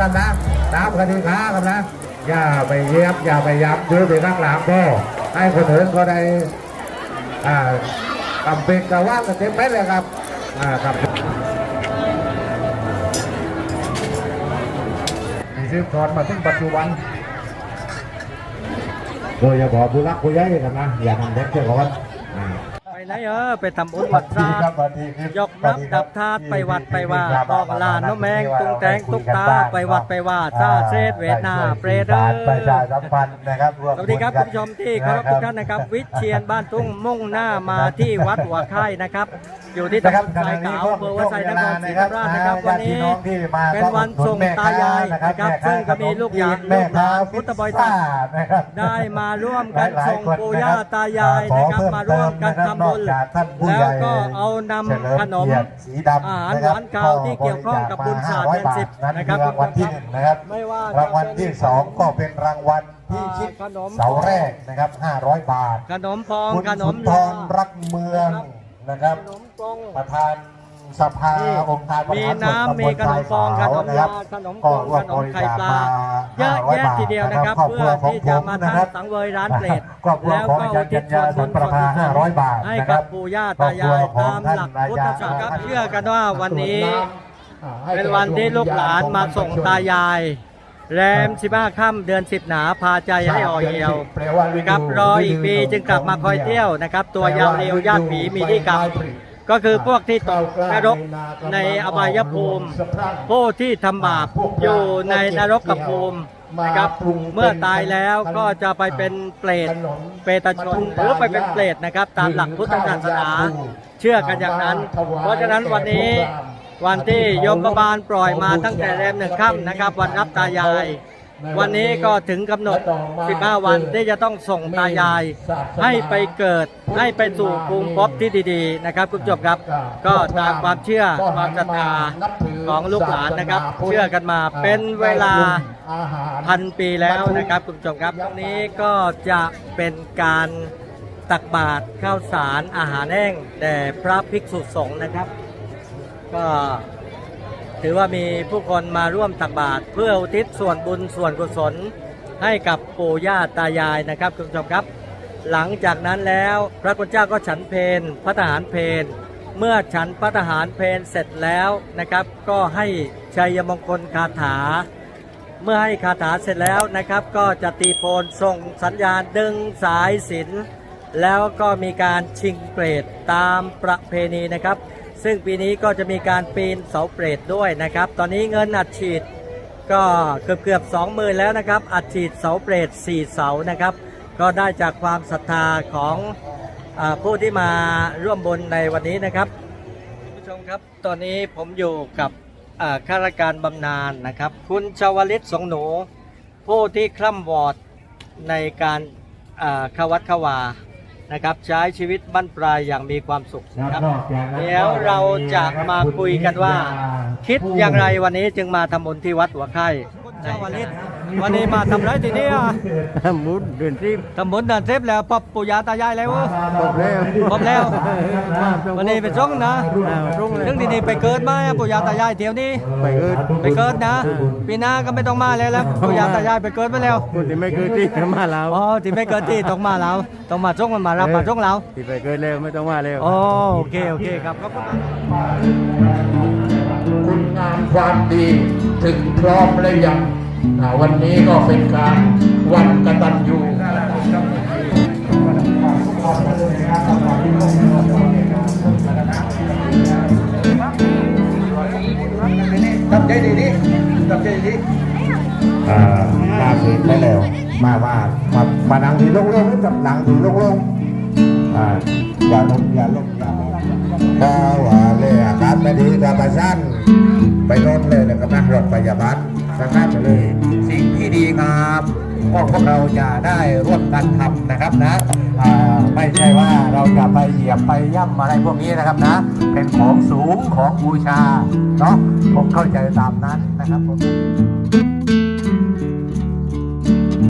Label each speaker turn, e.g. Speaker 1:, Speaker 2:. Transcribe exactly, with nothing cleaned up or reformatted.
Speaker 1: กันนะตามคดีค้ากันนะอย่าไปเยียบอย่าไปยับยืดไปข้างหลังพ่อให้คนอื่นก็ได้อ่าทำเป็นกระว่างกันเต็มไปเลยครับอ่าครับมีซื้อถอนมาถึงปัจจุบันโดยเฉพาะผู้รักผู้ใหญ่กันนะอย่าทำเด็กเจ้าก่อน
Speaker 2: ไปไหนเออไปทำบุญวัดซายกน้ำดับธาตุไปวัดไปว่าตอกลานน้ำแมงตุงแตงตุกตาไปวัดไปว่าซาเซตเวทนาเปรตเออสวัสดีครับคุณผู้ชมที่เคารพทุกท่านนะครับวิเชียรบ้านตุ้งมุ่งหน้ามาที่วัดหัวไข่นะครับอยู่ที่ตำบลทรายขาวอำเภอวัดไซนครศรีธรรมราชนะครับวันนี้เป็นวันส่งตายายนะครับซึ่งก็มีลูกหลานลูกหลานพุทธบริษัทได้มาร่วมกันส่งปู่ย่าตายายนะครับมาร่วมกันทำบุญแล้วก็เอานำขนมอาหารหวานข้าวที่เกี่ยวข้องกับบุญศาสตร์เดือนสิบนะครับ
Speaker 1: รางวัลที่หนึ่งนะครับ
Speaker 2: ไม่ว่าร
Speaker 1: างวัลที่สองก็เป็นรางวัลที่ชิดเสาแรกนะครับห้าร้อยบาท
Speaker 2: ขนมพอง
Speaker 1: ขนมทองรักเมืองนะครับประธานสภาองค์การบริหารส่วนตำบลทรายขาวนะครับก็ร่วมบริจาคมา
Speaker 2: เยอะแยะทีเดียวนะครับเพื่อที่จะมาทำสังเวยร้านเปรตแล้วก็อุทิศส่วนบุญส่วนกุศลให้กับปู่ย่าตายายตามหลักพุทธศาสนาเชื่อกันว่าวันนี้เป็นวันที่ลูกหลานมาส่งตายายแรมสิบห้าค่ำเดือนสิบหนาพาใจให้อ่อเหี่ยวกับรออีกปีจึงกลับมาคอยเที่ยวนะครับตัวยาวเรียวญาติผีมีที่กลับก็คือพวกที่ตกนรกในอบายภูมิผู้ที่ทำบาปอยู่ในนรกกับภูมินะครับเมื่อตายแล้วก็จะไปเป็นเปรตเปรตชนหรือไปเป็นเปรตนะครับตามหลักพุทธศาสนาเชื่อกันอย่างนั้นเพราะฉะนั้นวันนี้วันที่ยมบาลปล่อยมาตั้งแต่แรมหนึ่งค่ำนะครับวันรับตายายวันนี้ก็ถึงกำหนดสิบห้าวันที่จะต้องส่งตายายให้ไปเกิดให้ไปสู่ภูมิภพที่ดีๆนะครับคุณผู้ชมครับก็ตามความเชื่อความศรัทธาของลูกหลานนะครับเชื่อกันมาเป็นเวลาพันปีแล้วนะครับคุณผู้ชมครับตรงนี้ก็จะเป็นการตักบาตรข้าวสารอาหารแห้งแด่พระภิกษุสงฆ์นะครับก็ถือว่ามีผู้คนมาร่วมตักบาตรเพื่ออุทิศส่วนบุญส่วนกุศลให้กับปู่ย่าตายายนะครับคุณผู้ชมครับหลังจากนั้นแล้วพระคุณเจ้าก็ฉันเพลพระทหารเพลเมื่อฉันพระทหารเพลเสร็จแล้วนะครับก็ให้ชัยมงคลคาถาเมื่อให้คาถาเสร็จแล้วนะครับก็จะตีโพนส่งสัญญาณดึงสายสิญจน์แล้วก็มีการชิงเปรตตามประเพณีนะครับซึ่งปีนี้ก็จะมีการปีนเสาเปรตด้วยนะครับตอนนี้เงินอัดฉีดก็เกือบเกือบสองหมื่นแล้วนะครับอัดฉีดเสาเปรตสี่เสานะครับก็ได้จากความศรัทธาของอ่าผู้ที่มาร่วมบุญในวันนี้นะครับคุณผู้ชมครับตอนนี้ผมอยู่กับข้าราชการบำนาญนะครับคุณชวลิตสงหนูผู้ที่คร่ำวอดในการเข้าวัดเข้าวานะครับใช้ชีวิตบั้นปลายอย่างมีความสุขนะครับเดี๋ยวเราจะมาคุยกันว่าคิดอย่างไรวันนี้จึงมาทำบุญที่วัดหัวไข่ชาวลิตวันนี้มาทำไรทีนี้อ่ะ
Speaker 3: ทำบุญเดินทิพย์
Speaker 2: ทำบุญเดินทิพย์แล้วปอบปู่ย่าตายายแล้ว
Speaker 3: ปอบแล้ว
Speaker 2: ปอบแล้ววันนี้เป็นช่องนะเรื่องดีๆไปเกิดมาปู่ย่าตายายเที่ยวนี้
Speaker 3: ไปเกิด
Speaker 2: ไปเกิดนะปีหน้าก็ไม่ต้องมาแล้วแล้วปู่ย่าตายายไปเกิดไปแล้ว
Speaker 3: คนที่ไม่เกิดที่มาแล้ว
Speaker 2: อ๋อที่ไม่เกิดที่ต้องมาแล้วต้องมาช่องมันมารับมาช่องเรา
Speaker 3: ที่ไปเกิดแล้วไม่ต้องมาแล้ว
Speaker 2: โอเคโอเคครับ
Speaker 1: คุณงามความดีถึงพร้อมแล้วยังวันนี้ก็เป็นการวันกตัญญูตับใจดีดิตับใจดีอ่ามาถึงไปแล้วมาว่ามามานั่งที่โล่งๆกับนั่งที่โล่งๆอ่าอย่าลงอย่าลงอย่าถ้าว่าเลยอาการไม่ดีก็ไปสั้นไปนอนเลยแล้วก็นั่งรถพยาบาลสักนัดไปเลยสิ่งที่ดีครับพวกพวกเราจะได้ร่วมกันทำนะครับนะไม่ใช่ว่าเราจะไปเหยียบไปย่ำอะไรพวกนี้นะครับนะเป็นของสูงของบูชาเนาะผมเข้าใจตามนั้นนะครับผม